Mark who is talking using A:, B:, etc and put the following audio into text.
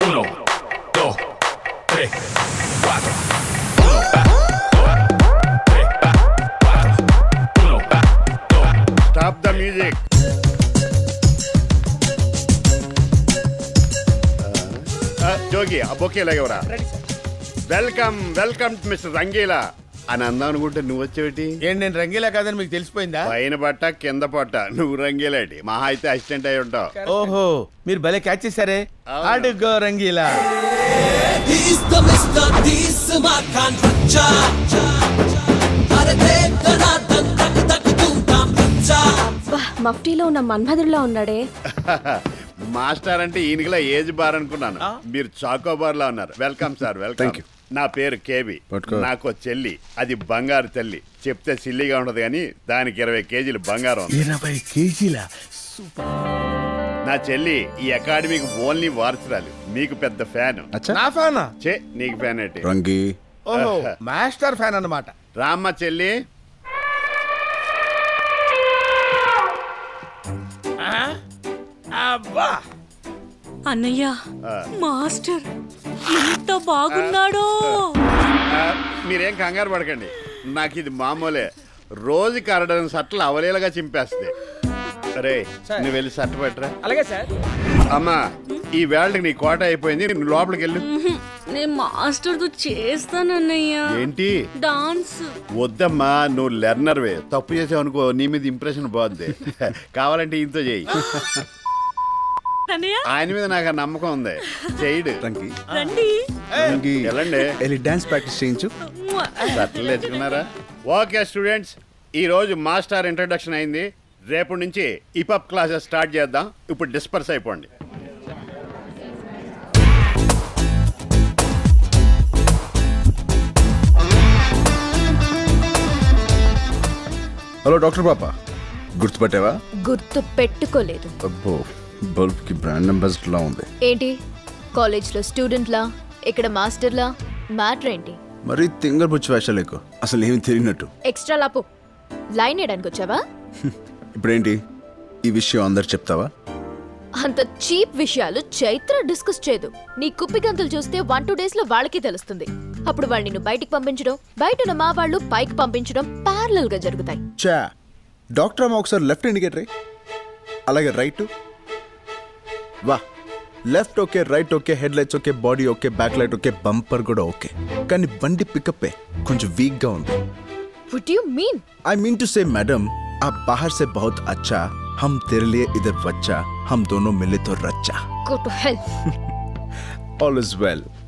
A: 1, 2, 3, 4.
B: Stop the music. Jogi ఆ bouquet లాగేవరా. Welcome mister Rangeela అని అందాం అనుకుంటే నువ్వు వచ్చేటి.
C: ఏంటి నేను రంగీలా కాదని మీకు తెలిసిపోయిందా?
B: పైన పట్ట కింద పట్ట నువ్వు రంగీలాటి మహా అయితే అసిస్టెంట్ అయి ఉంటావు.
C: ఓహో మీరు భలే క్యాచ్ చేశారే. అడుగో రంగీలా.
D: మఫ్టీలో ఉన్న మన్మధుడిలో ఉన్నాడే.
B: మాస్టర్ అంటే ఈయనకిలా ఏజ్ బార్ అనుకున్నాను. మీరు చాకోబార్ లా ఉన్నారు. Welcome sir. వెల్కమ్. నా పేరు కేబి. నాకు చెల్లి, అది బంగారు తల్లి. చెప్తే సిల్లిగా ఉండదు కానీ దానికి 20 కేజీలు బంగారం.
C: 20 కేజీల?
B: నా చెల్లి ఈ అకాడమీకి ఓన్లీ వారసురాలు. మీకు పెద్ద ఫ్యాన్.
C: నా ఫ్యానా?
B: చే నీకు ఫ్యాన్ ఏంటి?
E: రంగి.
C: ఓహో మాస్టర్ ఫ్యాన్ అన్నమాట.
B: రామ్మ చెల్లి.
C: అబ్బా
D: అన్నయ్య మాస్టర్ ఎంత బాగున్నాడో.
B: మీరేం కంగారు పడకండి. నాకు ఇది మామూలే. రోజుకి 6 సట్లు అవలేలుగా చింపేస్తుంది. అరే నువ్వు వెళ్ళి సట్టు పెట్టరా.
F: అలాగే సార్.
B: అమ్మా ఈ వేళకి నీ కోట అయిపోయింది. నువ్వు లోపలికి వెళ్ళు.
D: నేను మాస్టర్ తో చేస్తానన్నయ్య.
B: ఏంటి
D: డాన్స్?
B: వద్దమ్మా, నువ్వు లెర్నర్వే. తప్పు చేసావు అనుకో నీ మీద ఇంప్రెషన్ బాగుంది. కావాలంటే ఇంతో చేయి. ఆయన మీద నాకు నమ్మకం ఉంది. చేయడు. వెళ్ళండి
E: డాన్స్ ప్రాక్టీస్ చేయించు.
B: సట్లు తెచ్చుకున్నారా? ఓకే స్టూడెంట్స్, ఈ రోజు మాస్టర్ ఇంట్రడక్షన్ అయింది. రేపటి నుంచి హిప్హాప్ క్లాసెస్ స్టార్ట్ చేద్దాం. ఇప్పుడు డిస్పర్స్ అయిపోండి.
E: హలో డాక్టర్ పాప, గుర్తుపట్టావా?
D: గుర్తు పెట్టుకోలేదు.
E: అబ్బో బల్బ్ కి బ్రాండ్ అంబాసిడర్ లా ఉంది.
D: ఏంటి కాలేజ్ లో స్టూడెంట్ లా, ఇక్కడ మాస్టర్ లా? మ్యాటర్ ఏంటి?
E: మరి తింగర్ బుచ్చి వేషాలు ఎక్కువ, అసలు ఏమి తెలియనట్టు.
D: ఎక్స్ట్రా లాపు లైన్ వేయడానికి వచ్చావా?
E: ఇప్పుడేంటి ఈ విషయం అందరు చెప్తావా?
D: అంత చీప్ విషయాలు చైత్ర డిస్కస్ చేయదు. నీ కుప్పి గంతులు చూస్తే 1-2 days లో వాళ్ళకి తెలుస్తుంది. అప్పుడు వాళ్ళు నిన్ను బయటికి పంపించడం, బయట ఉన్న మా వాళ్ళు పైకి పంపించడం ప్యారలల్ గా జరుగుతాయి.
E: చా డాక్టర్ అమ్మ ఒకసారి లెఫ్ట్ ఇండికేటర్, అలాగే రైట్. వా left okay, right okay, headlights okay, body okay, back light okay, bumper కూడా ఓకే. కానీ బండి పికప్ కొంచెం వీక్ గా ఉంది.
D: What do you mean?
E: I mean to say madam, आप बाहर से बहुत अच्छा, हम तेरे लिए इधर बच्चा, हम दोनों मिले तो रच्चा.
D: Go to hell.
E: All is well.